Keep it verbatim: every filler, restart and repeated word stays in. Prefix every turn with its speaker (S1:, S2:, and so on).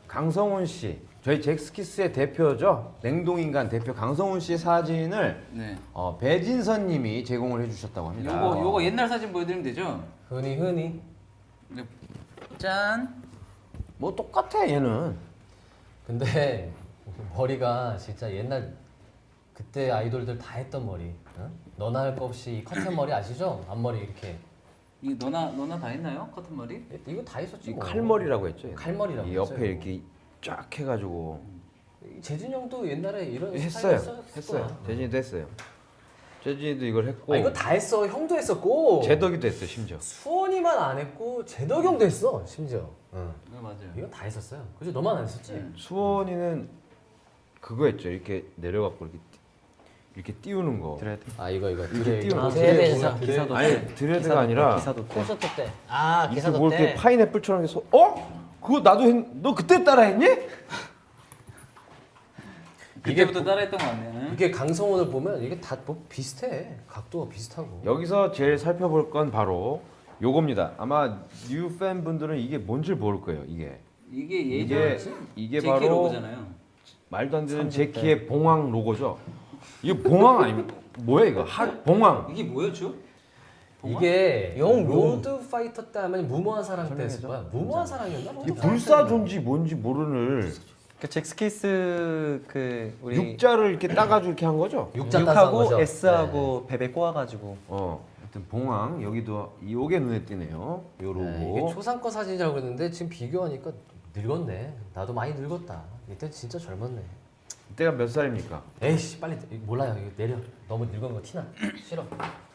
S1: 강성훈 씨, 저희 잭스키스의 대표죠. 냉동인간 대표 강성훈 씨 사진을
S2: 네.
S1: 어, 배진선님이 제공을 해주셨다고 합니다.
S2: 요거 요거 옛날 사진 보여드리면 되죠?
S3: 흔히 흔히.
S2: 네. 짠.
S1: 뭐 똑같아 얘는.
S3: 근데 머리가 진짜 옛날 그때 아이돌들 다 했던 머리. 응? 너나 할 거 없이 이 커튼 머리 아시죠? 앞머리 이렇게.
S2: 이 너나 너나 다 했나요? 커튼 머리?
S3: 이거 다 했었지
S1: 이
S3: 뭐.
S1: 칼머리라고 했죠. 얘는.
S3: 칼머리라고
S1: 이 옆에
S3: 했어요.
S1: 이렇게 쫙 해가지고
S3: 재준 형도 옛날에 이런
S1: 했어요.
S3: 스타일
S1: 했어요. 재진이도 했어요. 재진이도 이걸 했고.
S3: 아 이거 다 했어. 형도 했었고.
S1: 재덕이도 했어요 심지어.
S3: 수원이만 안 했고 재덕 형도 했어 심지어. 응.
S2: 네 맞아요.
S3: 이거 다 했었어요. 그죠? 너만 안 했었지?
S2: 음.
S1: 수원이는 그거 했죠. 이렇게 내려갖고 이렇게 띄- 이렇게 띄우는 거.
S4: 드레드.
S3: 아 이거 이거
S1: 이렇게 띄우는 거.
S3: 세대에서
S1: 드레드.
S4: 기사도
S1: 아니
S4: 때.
S1: 드레드가
S4: 기사도
S1: 아니라
S4: 때, 기사도 때.
S3: 콘서트 때. 아
S1: 이렇게
S3: 기사도
S1: 뭐
S3: 때.
S1: 이렇게 파인애플처럼 해서 어? 그거 나도 했. 너 그때 따라했니?
S2: 그때부터 따라했던 거 같네요.
S3: 이게 강성원을 보면 이게 다 뭐 비슷해. 각도가 비슷하고.
S1: 여기서 제일 살펴볼 건 바로 요겁니다. 아마 뉴 팬분들은 이게 뭔지 모를 거예요. 이게
S2: 이게
S1: 이게
S2: 예전
S1: 이게
S2: 제키
S1: 바로
S2: 로고잖아요.
S1: 말도 안 되는
S4: 삼십 대.
S1: 제키의 봉황 로고죠. 이거 봉황 아닙니까? 뭐야 이거? 하 봉황.
S2: 이게 뭐였죠? 봉황?
S3: 이게
S4: 용, 용.
S3: 로드 파이터 때 하면 무모한 사랑 때 했을 거야. 무모한 사랑이었나?
S1: 이 불사조인지 뭔지 모르는
S4: 그 잭스키스 그 우리
S1: 육자를 이렇게 따가지고 이렇게 한 거죠.
S3: 육자 따서 한
S4: 육하고
S3: 거죠?
S4: S하고 베베 꼬아가지고
S1: 어, 하여튼 봉황 여기도 요게 눈에 띄네요. 요 로고.
S3: 네, 이게 초상권 사진이라고 그랬는데 지금 비교하니까 늙었네. 나도 많이 늙었다. 이때 진짜 젊었네.
S1: 이때가 몇 살입니까?
S3: 에이씨 빨리 몰라요. 이거 내려. 너무 늙은 거 티나. 싫어.